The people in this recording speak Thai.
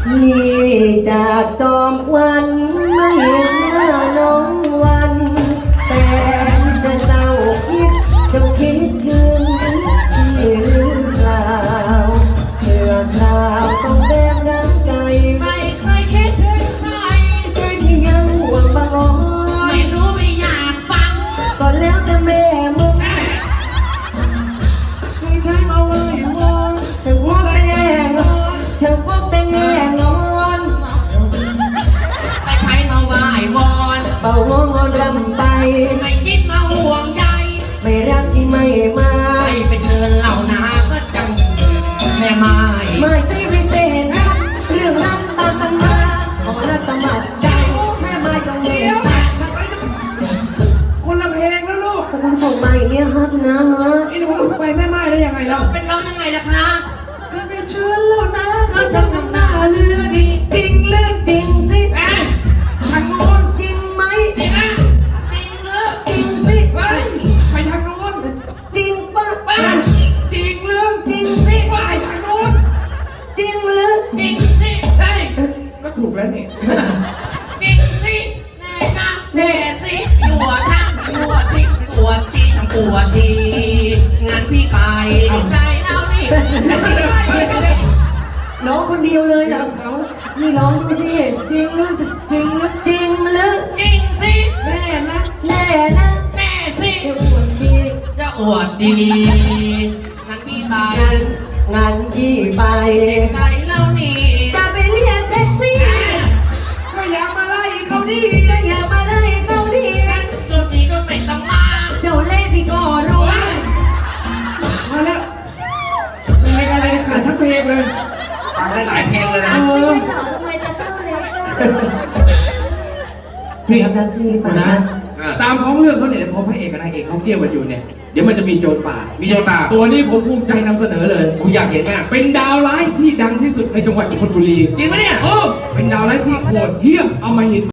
พี่จากจอมควันไม่เห็นหน้าน้องวันแต่จะเศร้าคิดจะคิดถึงพี่หรือเปล่าเมื่อคราวต้องแบกน้ำใจไม่เคยคิดถึงใครใจที่ยังห่วงบางอ้อนไม่รู้ไม่อยากฟังก็แล้วแต่แม่มึงไม่ใช่มาเว้ยวอนจะพูดแต่แง่งอนจะพูดแต่แง่งอนไม่ใช่มาไหว้วอนเป่าหัวงอนรำไปไม่คิดมาห่วงใยไม่รักที่ไม่มาไปเชิญเหล่านาก็จังแม่ไม้ไม่ใช่พิเศษนะเรื่องรักตามกันมาขอรักสมัครใจแม่ไม้จงเลี้ยงคนละเพลงแล้วลูกคุณส่งมาอย่างเงี้ยครับนะฮะไอ้หนูไปแม่ไม้ได้ยังไงแล้วเป็นเรายังไงล่ะคะก็ไปเชิญเหล่านาก็จังทำหน้าเรือดีจริงเรื่องจริงสิทางโน้นจริงไหมจริงนะจริงหรือจริงสิไปทางโน้นจริงปะจริงเรื่องจริงสิไปทางโน้นจริงหรือจริงสิเฮ้ยก็ถูกแล้วนี่จริงสิแน่นะแน่สิหัวทั้งหัวสิหัวทีทั้งหัวทีงานพี่ไปใจเรานี่น้องคนเดียวเลยเหรอนี่ร้องดูสิจริงหรือจริงหรือจริงหรือจริงสิแน่นะแน่นะแน่สิจะอวดดีจะอวดดีงั้นพี่ไปงั้นพี่ไปใจเรานี่จะไปเรียกแท็กซี่ก็อยากมาไล่เขาดิก็อย่ามาไล่เขาดิดนตรีก็ไม่ต้องมาเจ้าเล่ห์พี่ก็รู้มาแล้วไม่อะไรขาดทั้งเพลงเลยฟังได้หลายเพลงเลยนะไม่ใช่เหรอทำไมจะเจ้าเล็กพี่ครับนักพี่หรือเปล่านะตามท้องเรื่องเขาเนี่ยพอพระเอกกับนายเอกเขาเกี่ยวกันอยู่เนี่ยเดี๋ยวมันจะมีโจรป่ามีโจรป่าตัวนี้ผมภูมิใจนำเสนอเลยผมอยากเห็นมากเป็นดาวร้ายที่ดังที่สุดในจังหวัดชลบุรีจริงไหมเนี่ยเป็นดาวร้ายที่โหดเหี้ยมเอามาหิน